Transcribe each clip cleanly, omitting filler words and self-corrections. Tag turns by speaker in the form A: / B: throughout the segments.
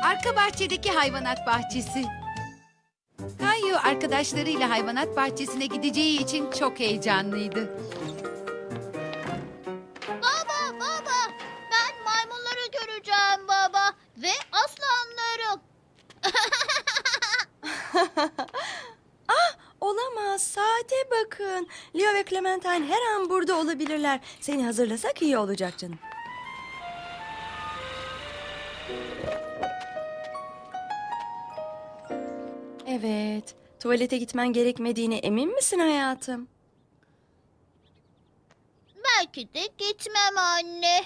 A: Arka bahçedeki hayvanat bahçesi. Kayu arkadaşlarıyla hayvanat bahçesine gideceği için çok heyecanlıydı.
B: Baba, baba. Ben maymunları göreceğim baba. Ve aslanları.
C: Olamaz. Saate bakın. Leo ve Clementine her an burada olabilirler. Seni hazırlasak iyi olacak canım. Evet. Tuvalete gitmen gerekmediğine emin misin hayatım?
B: Belki de gitmem anne.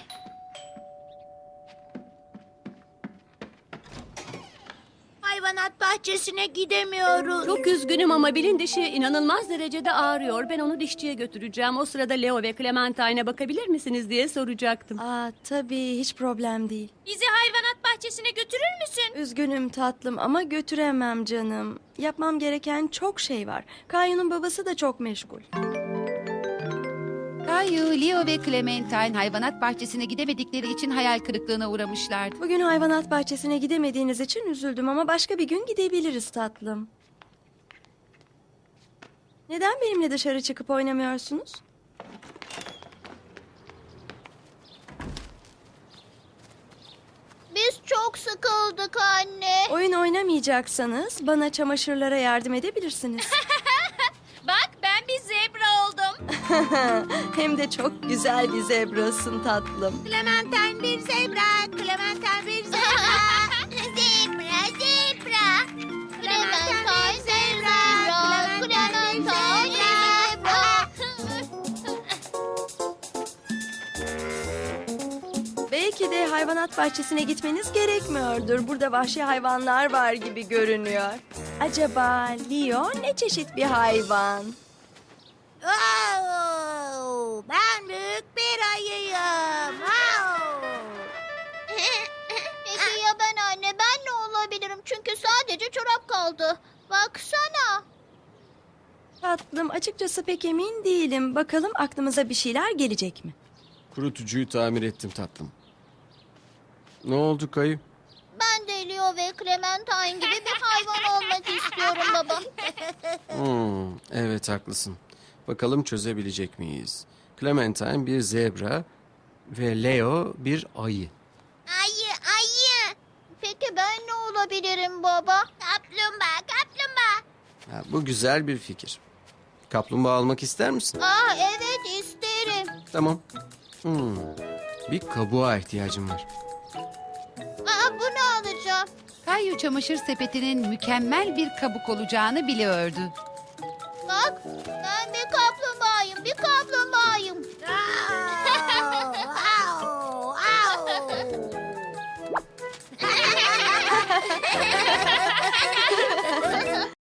B: Hayvanat bahçesine gidemiyoruz.
D: Çok üzgünüm ama Bill'in dişi inanılmaz derecede ağrıyor. Ben onu dişçiye götüreceğim. O sırada Leo ve Clementine'e bakabilir misiniz diye soracaktım.
C: Tabii hiç problem değil.
B: Bizi hayvanat bahçesine götürür müsün?
C: Üzgünüm tatlım ama götüremem canım. Yapmam gereken çok şey var. Kayu'nun babası da çok meşgul.
A: Kayu, Leo ve Clementine hayvanat bahçesine gidemedikleri için hayal kırıklığına uğramışlardı.
C: Bugün hayvanat bahçesine gidemediğiniz için üzüldüm ama başka bir gün gidebiliriz tatlım. Neden benimle dışarı çıkıp oynamıyorsunuz?
B: Biz çok sıkıldık anne.
C: Oyun oynamayacaksanız bana çamaşırlara yardım edebilirsiniz.
B: Bak ben bir zebra oldum.
C: Hem de çok güzel bir zebrasın tatlım.
B: Clementine bir zebra. Clementine bir zebra. Zebra, zebra. Clementine zebra. Clementine zebra.
C: Belki de hayvanat bahçesine gitmeniz gerekmiyordur. Burada vahşi hayvanlar var gibi görünüyor. Acaba Leo ne çeşit bir hayvan?
B: Ben büyük bir ayıyım. Peki ya ben anne? Ben ne olabilirim? Çünkü sadece çorap kaldı. Baksana.
C: Tatlım, açıkçası pek emin değilim. Bakalım aklımıza bir şeyler gelecek mi?
E: Kurutucuyu tamir ettim tatlım. Ne oldu Kayı?
B: Ben de Leo ve Clementine gibi bir hayvan olmak istiyorum baba.
E: Evet haklısın. Bakalım çözebilecek miyiz? Clementine bir zebra ve Leo bir ayı.
B: Ayı, ayı. Peki ben ne olabilirim baba? Kaplumbağa, kaplumbağa.
E: Ha, bu güzel bir fikir. Kaplumbağa almak ister misin?
B: Evet isterim.
E: Tamam. Bir kabuğa ihtiyacım var.
B: Bunu alacağım.
A: Kayu çamaşır sepetinin mükemmel bir kabuk olacağını biliyordu.
B: Bak ben bir kaplumbağayım, bir kaplumbağa.